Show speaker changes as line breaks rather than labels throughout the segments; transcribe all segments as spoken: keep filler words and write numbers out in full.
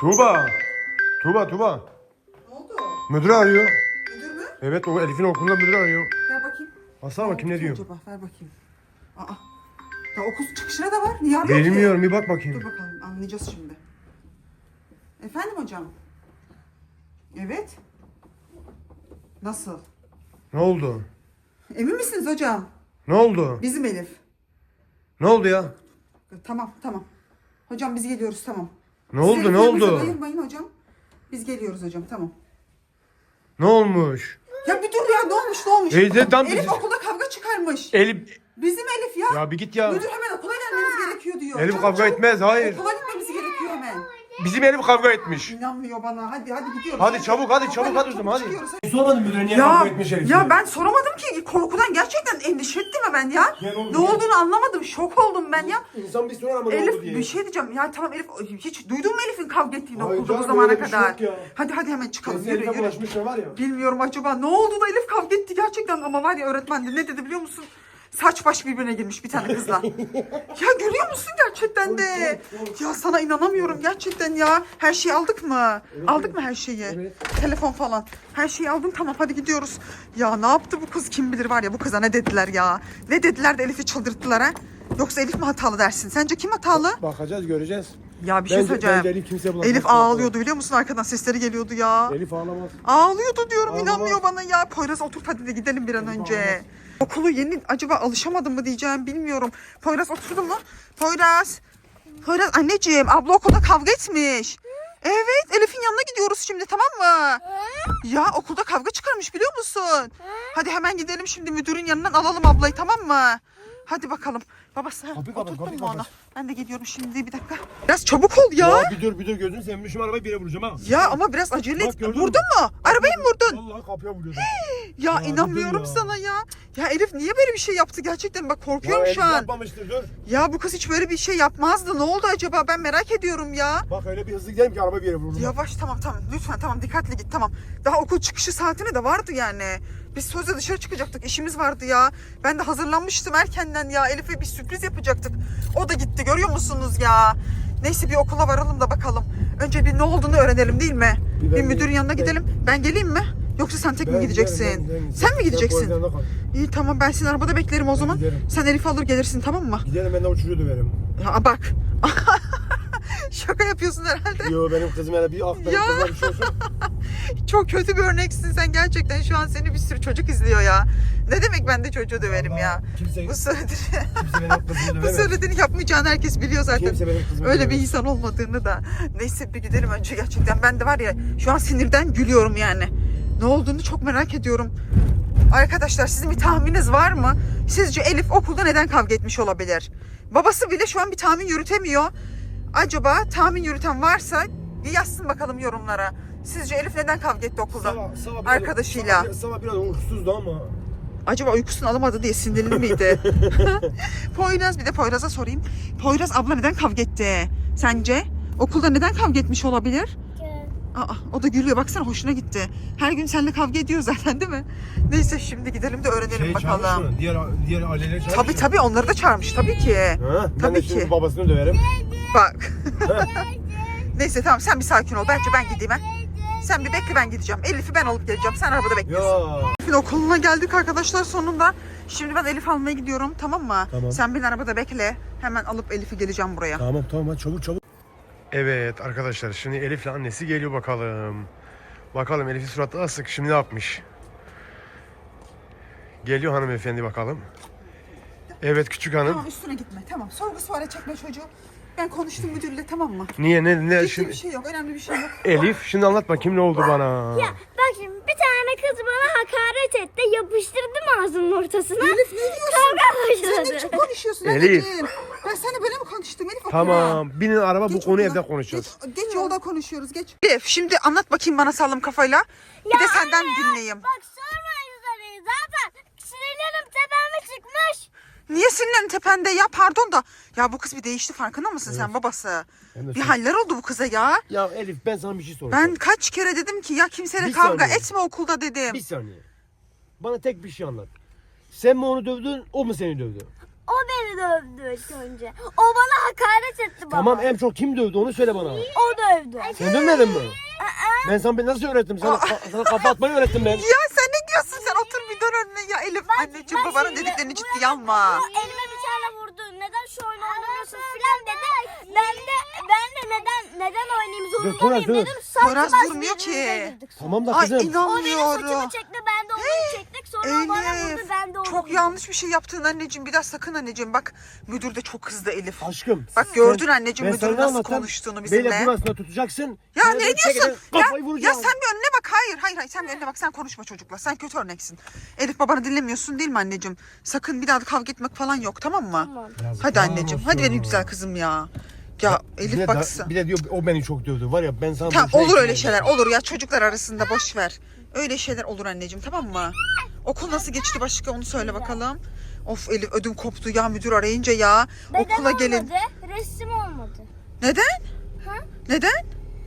Tuğba. Tuğba Tuğba.
Ne oldu?
Müdür arıyor.
Müdür mü?
Evet o Elif'in okulunda müdür arıyor.
Ver bakayım.
Baksana bakayım ne diyor.
Acaba ver bakayım. Aa. Ya okul çıkışına da var. Niye arıyor ki?
Bilmiyorum bir bak
Dur
bakayım.
bakalım anlayacağız şimdi. Efendim hocam? Evet. Nasıl?
Ne oldu?
Emin misiniz hocam?
Ne oldu?
Bizim Elif.
Ne oldu ya?
Tamam tamam. Hocam biz geliyoruz tamam.
Ne oldu
Siz
ne
yanınıza
oldu?
bayılmayın hocam. Biz geliyoruz hocam tamam.
Ne olmuş?
Ya bir dur ya ne olmuş ne olmuş?
Teyze, tam-
Elif okulda kavga çıkarmış.
Elif.
Bizim Elif ya.
Ya bir git ya.
Müdür hemen okula gelmemiz gerekiyor diyor.
Elif
Çabuk,
kavga
çabuk.
etmez hayır.
Okula gitmemiz gerekiyor hemen.
Bizim Elif kavga etmiş.
İnanmıyor bana. Hadi hadi gidiyoruz.
Hadi çabuk hadi
Hadi,
çabuk hadi o zaman hadi.
çıkıyoruz.
Sormadın müdüre niye
Ya,
kavga etmiş Elif?
ya ben soramadım ki. Korkudan gerçekten endişe ettim hemen ya.
Gel oğlum,
Ne
gel.
olduğunu anlamadım. Şok oldum ben ya.
İnsan bir sorar ama ne
Elif
oldu diye.
bir şey diyeceğim. Ya tamam Elif hiç duydun mu Elif'in kavga ettiğini
Hayır
okulda bu
canım,
zamana
öyle bir şey
kadar?
yok ya.
Hadi hadi hemen çıkalım.
Kesin
Yürü
Elif'e
yürü.
bulaşmış ne var ya.
Bilmiyorum acaba ne oldu da Elif kavga etti gerçekten ama var ya öğretmen de ne dedi biliyor musun? Saç baş birbirine girmiş bir tane kızla. Ya görüyor musun gerçekten de? Ya sana inanamıyorum gerçekten ya. Her şeyi aldık mı? Aldık mı her şeyi?
Evet.
Telefon falan. Her şeyi aldım tamam hadi gidiyoruz. Ya ne yaptı bu kız kim bilir var ya bu kıza ne dediler ya. Ne dediler de Elif'i çıldırttılar ha? Yoksa Elif mi hatalı dersin? Sence kim hatalı?
Bakacağız göreceğiz.
Ya bir şey
Bence-
söyleyeceğim.
bence Elif kimseye bulaşmaz.
Elif ağlıyordu biliyor musun? Arkadan sesleri geliyordu ya.
Elif ağlamaz.
Ağlıyordu diyorum
Ağlamaz.
inanmıyor bana ya. Poyraz otur hadi de gidelim bir an önce. Okulu yeni acaba alışamadım mı diyeceğim bilmiyorum. Poyraz oturdu mu? Poyraz. Poyraz anneciğim abla okulda kavga etmiş. Evet Elif'in yanına gidiyoruz şimdi tamam mı? Ya okulda kavga çıkarmış biliyor musun? Hadi hemen gidelim şimdi müdürün yanından alalım ablayı tamam mı? Hadi bakalım. Babası ha,
Kapıyı kapat,
oturttun
kapıyı
mu onu?
kapat.
Ben de geliyorum şimdi bir dakika. Biraz çabuk ol ya.
Ya bir dur bir dur gözünü seveyim şu arabayı bir yere vuracağım ha.
Ya ama biraz acele
Bak,
et.
gördün
Vurdun
mü?
mu? Arabayı mı vurdun?
Vallahi kapıya vuruyordum.
Ya,
Ya,
inanmıyorum
dur ya.
sana ya. Ya Elif niye böyle bir şey yaptı gerçekten? Bak korkuyorum
Ya
şu
Elif
an.
yapmamıştır dur.
Ya bu kız hiç böyle bir şey yapmazdı. Ne oldu acaba? Ben merak ediyorum ya.
Bak öyle bir hızlı gidelim ki araba bir yere vurur.
Yavaş tamam tamam lütfen tamam dikkatli git tamam. Daha okul çıkışı saatine de vardı yani. Biz sözde dışarı çıkacaktık işimiz vardı ya. Ben de hazırlanmıştım erkenden ya. Elif'e bir sürpriz yapacaktık. O da gitti görüyor musunuz ya? Neyse bir okula varalım da bakalım. Önce bir ne olduğunu öğrenelim değil mi?
Bir
Bir,
ben-
müdürün yanına
ben-
gidelim. Ben geleyim mi? Yoksa sen tek mi
Ben
gideceksin?
giderim, ben giderim.
Sen mi
Sen
gideceksin?
Poyraz'ın yanında kal.
İyi tamam ben seni arabada beklerim o zaman.
giderim.
Sen Elif'i alır gelirsin tamam mı?
Gidelim ben de uçuruyor döverim.
Ya bak. Şaka yapıyorsun herhalde.
Yo benim kızım hele bir aktarıp
Ya.
kızına bir şey olsun.
Çok kötü bir örneksin sen gerçekten. Şu an seni bir sürü çocuk izliyor ya. Ne demek ben de çocuğu döverim ya.
Kimse,
Bu söylediğini,
kimse benim kızımı
bu
dövemez.
söylediğini yapmayacağını herkes biliyor zaten.
Kimse benim kızımı
Öyle bir
dövemez.
insan olmadığını da. Neyse bir gidelim önce gerçekten. Ben de var ya şu an sinirden gülüyorum yani. Ne olduğunu çok merak ediyorum. Arkadaşlar sizin bir tahmininiz var mı? Sizce Elif okulda neden kavga etmiş olabilir? Babası bile şu an bir tahmin yürütemiyor. Acaba tahmin yürüten varsa bir yazsın bakalım yorumlara. Sizce Elif neden kavga etti okulda?
Sabah- sabah biraz-
Arkadaşıyla.
Sabah, sabah biraz uykusuzdu ama.
Acaba uykusunu alamadı diye sinirli miydi? Poyraz bir de Poyraz'a sorayım. Poyraz abla neden kavga etti? Sence? Okulda neden kavga etmiş olabilir? Aa, o da gülüyor baksana hoşuna gitti. Her gün seninle kavga ediyor zaten değil mi? Neyse şimdi gidelim de öğrenelim
Şey
bakalım.
çağırmış mı? Diğer, diğer aileleri çağırmış
Tabii
mı?
tabii onları da çağırmış tabii ki.
Ha? Ben
Tabii
de şimdi
ki.
babasını döverim.
Bak. Neyse tamam sen bir sakin ol. Bence ben gideyim ha. Sen bir bekle ben gideceğim. Elif'i ben alıp geleceğim. Sen arabada bekliyorsun.
Ya.
Elif'in okuluna geldik arkadaşlar sonunda. Şimdi ben Elif almaya gidiyorum tamam mı?
Tamam.
Sen beni arabada bekle. Hemen alıp Elif'i geleceğim buraya.
Tamam tamam hadi çabuk çabuk. Evet arkadaşlar şimdi Elif'le annesi geliyor bakalım. Bakalım Elif'in suratı asık şimdi ne yapmış? Geliyor hanımefendi bakalım. Evet küçük hanım.
Tamam üstüne gitme tamam. Sorgu suale çekme çocuğu. Ben konuştum müdürle tamam mı?
Niye ne ne
Ciddi
şimdi?
bir şey yok önemli bir şey yok.
Elif şimdi anlat bakayım ne oldu bana?
Ya bak şimdi bir tane kız bana hakaret etti. Yapıştırdım ağzının ortasına.
Elif ne diyorsun?
Kavga
Sen ne
başladı.
biçim konuşuyorsun
Elif.
anneciğim? Ben seninle böyle mi konuştum Elif? okula?
Tamam binin araba bu
Geç
konuyu
okula.
evde konuşacağız.
Geç, geç yolda konuşuyoruz geç. Elif şimdi anlat bakayım bana sağlam kafayla. Bir de senden
anne ya,
dinleyeyim.
Bak sormayın soruyu zaten. Sinirlerim tepeme çıkmış.
Niye sinirlerin tepende ya pardon da. Ya bu kız bir değişti farkında mısın sen babası?
Hem de
Bir
sen-
haller oldu bu kıza ya.
Ya Elif ben sana bir şey soracağım.
Ben kaç kere dedim ki ya kimseyle
Bir
kavga
saniye.
etme okulda dedim.
Bir saniye. Bana tek bir şey anlat. Sen mi onu dövdün o mu seni dövdü?
O O beni dövdü ilk önce. O bana hakaret etti baba.
Tamam en çok kim dövdü onu söyle bana.
O dövdü.
Sen dövmedin mi? Ben sana ben nasıl öğrettim? Sana, sana kafa atmayı öğrettim ben.
Ya sen ne diyorsun? Sen otur bir dön önüne ya Elif. Anneciğim babanın
şimdi
dediklerini
bu
ciddiye alma.
O elime bir tane vurdu. Neden şu oyunu oynamıyorsun filan dedi. Ben de ben de neden neden oynayayım
Dur,
zorunda
Poyraz,
mıyım
dur.
dedim. Saçma
Poyraz
sapan
durmuyor
birbirimize
ki.
girdik sonra.
Tamam da
Ay
kızım.
O benim
inanmıyorum.
saçımı çekti, ben de onu çektik. Sonra o bana vurdu,
Elif
ben de onu
çok
vurdum.
yanlış bir şey yaptın anneciğim. Bir daha sakın anneciğim. Bak müdür de çok kızdı Elif.
Aşkım.
Bak
sen-
gördün anneciğim
ben sana
müdürün
ne
nasıl
anlattım?
konuştuğunu bizimle.
Böyle burasına tutacaksın.
Ya
Şöyle
ne
bir
diyorsun?
çekeceksin,
Ya,
Kafayı
ya
vuracağım.
sen bir önüne bak. Hayır hayır hayır. Sen bir önüne bak. Sen konuşma çocukla. Sen kötü örneksin. Elif babanı dinlemiyorsun değil mi anneciğim? Sakın bir daha da kavga etmek falan yok tamam mı?
Tamam.
Hadi anneciğim. Hadi benim güzel kızım ya. Ya
Bir
Elif
de,
baksın.
da, bir de diyor o beni çok dövdü. Var ya ben sana...
Tamam
bir şey
olur öyle
yapayım.
şeyler. Olur ya çocuklar arasında boş ver. Öyle şeyler olur anneciğim tamam mı? Okul nasıl geçti başka onu söyle bakalım. Of Elif ödüm koptu ya müdür arayınca ya.
Neden
Okula gelin.
olmadı? Resim olmadı.
Neden?
Ha?
Neden?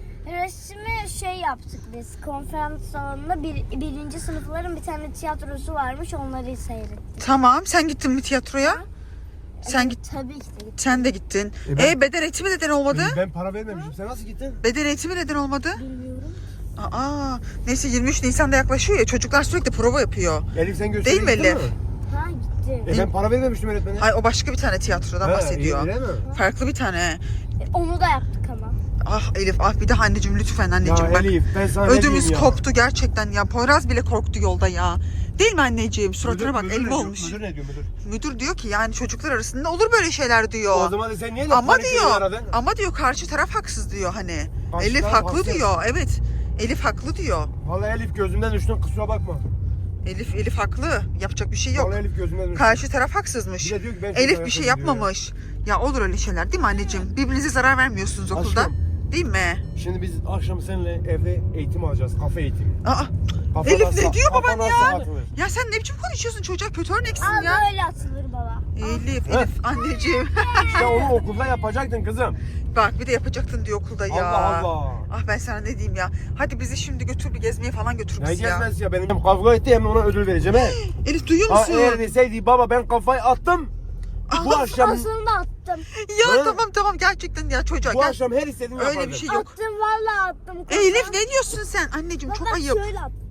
Resmi şey yaptık biz. Konferans salonunda bir, birinci sınıfların bir tane tiyatrosu varmış. Onları seyrettik.
Tamam sen gittin mi tiyatroya? Sen
Evet,
git.
Tabii ki de gittik.
Sen de gittin.
E
E,
ben-
beden eğitimi neden olmadı?
Ben, ben para vermemişim. Sen nasıl gittin?
Beden eğitimi neden olmadı?
Bilmiyorum.
Aa, neyse yirmi üç Nisan'da yaklaşıyor ya çocuklar sürekli prova yapıyor.
Elif sen gösteriye
Değil mi
gittin
Elif?
mi?
Ha gittim.
E ben para vermemiştim öğretmene.
Ay o başka bir tane tiyatrodan
Ha,
bahsediyor.
öyle mi?
Farklı bir tane.
E, Onu da yaptık ama.
Ah Elif ah bir daha anneciğim lütfen anneciğim
Ya
bak.
Elif ben sana ne
Ödümüz
diyeyim ya?
koptu gerçekten ya. Poyraz bile korktu yolda ya. Değil mi anneciğim? Suratına
Müdür-
bak
müdür ne
elma
diyor?
olmuş.
Müdür ne diyor müdür?
Müdür diyor ki yani çocuklar arasında olur böyle şeyler diyor.
O zaman da sen niye laf
Ama
panik ediyorsun
diyor.
aradın?
Ama diyor karşı taraf haksız diyor hani.
Karşı
Elif
taraf
haklı
haksız.
diyor. Evet. Elif haklı diyor.
Vallahi Elif gözümden düştün kusura bakma.
Elif Elif haklı. Yapacak bir şey yok.
Vallahi Elif gözümden düştün.
Karşı taraf haksızmış.
Bir de diyor ki ben çok
Elif bir
ayakkabı
şey
diyor
yapmamış. Ya olur öyle şeyler değil mi anneciğim? Birbirinize zarar vermiyorsunuz okulda.
Aşkım.
Değil mi?
Şimdi biz akşam seninle evde eğitim alacağız. Kafe eğitimi.
Aa,
Kafana
Elif ne
sa-
diyor baban
kafana
ya?
saat vur.
Ya sen ne biçim konuşuyorsun çocuğa kötü örneksin
Aa
ya.
böyle atılır baba.
Elif,
Heh.
Elif anneciğim.
Ya onu okulda yapacaktın kızım.
Bak bir de yapacaktın diyor okulda ya.
Allah Allah.
Ah ben sana ne diyeyim ya. Hadi bizi şimdi götür bir gezmeye falan götür
Ne
bizi ya.
gezmez ya benim hem kavga etti hem ona ödül vereceğim he.
Elif duyuyor
Ha
musun?
eğer deseydi baba ben kafayı attım. Bu akşam
Aslında attım.
Ya
Ha?
tamam tamam gerçekten ya çocuğa
bu
gel.
akşam her istediğimi
Öyle
yapardım.
bir şey yok.
Attım vallahi attım.
Elif ne diyorsun sen? Anneciğim çok
Baba
ayıp.
şöyle attım.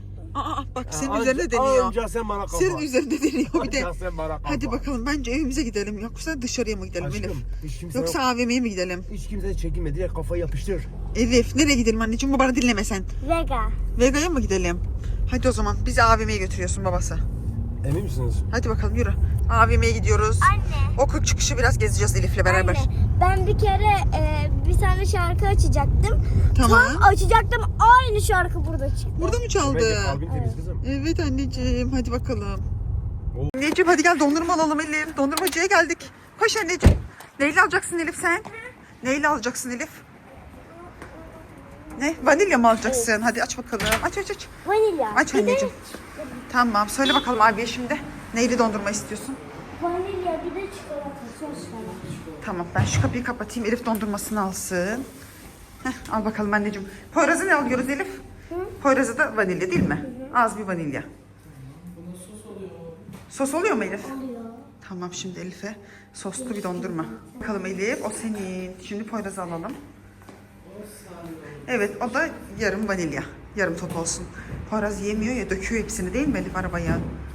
Aa bak senin
Anca-
üzerine deniyor.
Anca sen bana kafa.
Senin üzerine deniyor bir de.
Anca sen bana kafa.
Hadi bakalım bence evimize gidelim yoksa dışarıya mı gidelim Elif?
Aşkım hiç kimse
Yoksa
yok.
A V M'ye mi gidelim?
Hiç kimse çekinme direkt kafayı yapıştır.
Elif nereye gidelim anneciğim? Bu bana dinleme sen.
Vega.
Vega'ya mı gidelim? Hadi o zaman bizi A V M'ye götürüyorsun babası.
Emin misiniz?
Hadi bakalım yürü. A V M'ye gidiyoruz.
Anne.
Okul çıkışı biraz gezeceğiz Elif'le beraber.
Anne, ben bir kere e, bir tane şarkı açacaktım.
Tamam.
Tam açacaktım aynı şarkı burada çıktı.
Burada mı çaldı?
Bence kalbin temiz kızım.
Evet anneciğim hadi bakalım.
Oo.
Anneciğim hadi gel dondurma alalım Elif. Dondurmacıya geldik. Koş anneciğim. Neyle alacaksın Elif sen? Neyle alacaksın Elif? Ne? Vanilya mı alacaksın? Hadi aç bakalım. Aç aç aç.
Vanilya.
Aç
Bir de
anneciğim. Tamam söyle bakalım abiye şimdi. Neyli dondurma istiyorsun?
vanilya bir de çikolata sos falan.
Tamam ben şu kapıyı kapatayım. Elif dondurmasını alsın. Heh, al bakalım anneciğim. Poyraz'ı ne alıyoruz Elif? Poyraz'ı da vanilya değil mi? Az bir vanilya. Sos oluyor mu Elif?
Oluyor.
Tamam şimdi Elif'e soslu bir dondurma. Bakalım Elif o senin. Şimdi Poyraz'ı alalım. Evet o da yarım vanilya. Yarım top olsun. Poyraz yemiyor ya döküyor hepsini değil mi Elif arabaya?